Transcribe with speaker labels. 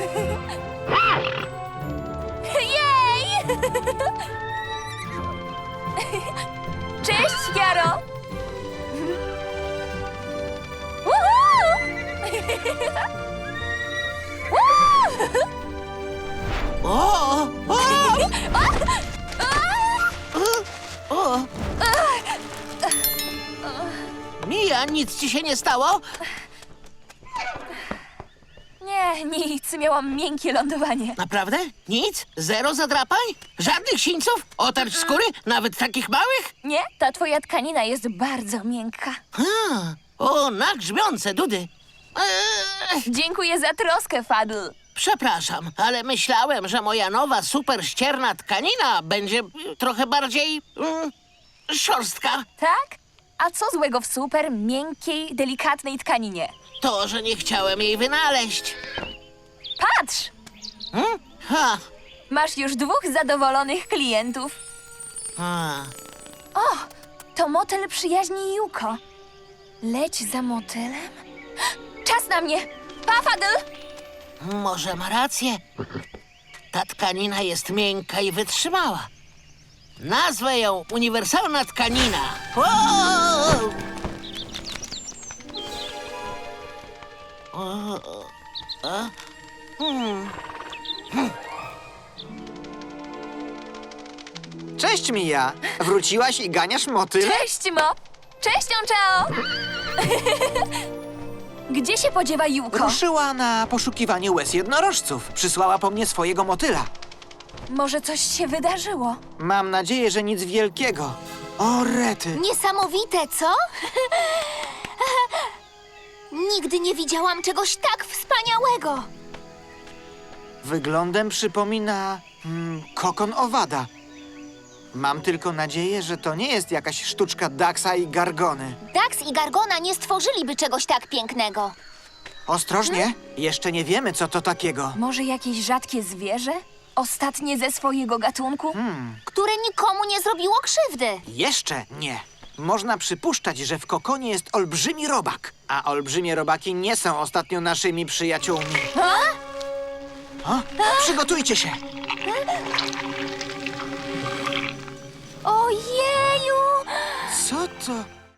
Speaker 1: Jej! Cześć, Jaro! Woohoo!
Speaker 2: O! O! Mija, nic ci się nie stało?
Speaker 1: Nie, nic. Miałam miękkie lądowanie.
Speaker 2: Naprawdę? Nic? Zero zadrapań? Żadnych sińców? Otarć skóry? Nawet takich małych?
Speaker 1: Nie, ta twoja tkanina jest bardzo miękka.
Speaker 2: O, na grzmiące dudy.
Speaker 1: Dziękuję za troskę, Fadl.
Speaker 2: Przepraszam, ale myślałem, że moja nowa super ścierna tkanina będzie trochę bardziej szorstka.
Speaker 1: Tak? A co złego w super, miękkiej, delikatnej tkaninie?
Speaker 2: To, że nie chciałem jej wynaleźć.
Speaker 1: Patrz!
Speaker 2: Ha.
Speaker 1: Masz już 2 zadowolonych klientów.
Speaker 2: Ha.
Speaker 1: O, to motyl przyjaźni Yuko. Leć za motylem. Czas na mnie! Pa, Fadl!
Speaker 2: Może ma rację. Ta tkanina jest miękka i wytrzymała. Nazwę ją uniwersalna tkanina. Wow!
Speaker 3: Cześć, Mija! Wróciłaś i ganiasz motyl?
Speaker 1: Cześć, Mo! Cześć, Onchao! Gdzie się podziewa Yuko?
Speaker 3: Ruszyła na poszukiwanie łez jednorożców. Przysłała po mnie swojego motyla.
Speaker 1: Może coś się wydarzyło?
Speaker 3: Mam nadzieję, że nic wielkiego. O, rety!
Speaker 4: Niesamowite, co? Nigdy nie widziałam czegoś tak wspaniałego.
Speaker 3: Wyglądem przypomina kokon owada. Mam tylko nadzieję, że to nie jest jakaś sztuczka Daxa i Gargony.
Speaker 4: Dax i Gargona nie stworzyliby czegoś tak pięknego.
Speaker 3: Ostrożnie, jeszcze nie wiemy, co to takiego.
Speaker 1: Może jakieś rzadkie zwierzę? Ostatnie ze swojego gatunku?
Speaker 4: Które nikomu nie zrobiło krzywdy.
Speaker 3: Jeszcze nie. Można przypuszczać, że w kokonie jest olbrzymi robak, a olbrzymie robaki nie są ostatnio naszymi przyjaciółmi. O, przygotujcie się!
Speaker 4: Ojeju!
Speaker 3: Co to?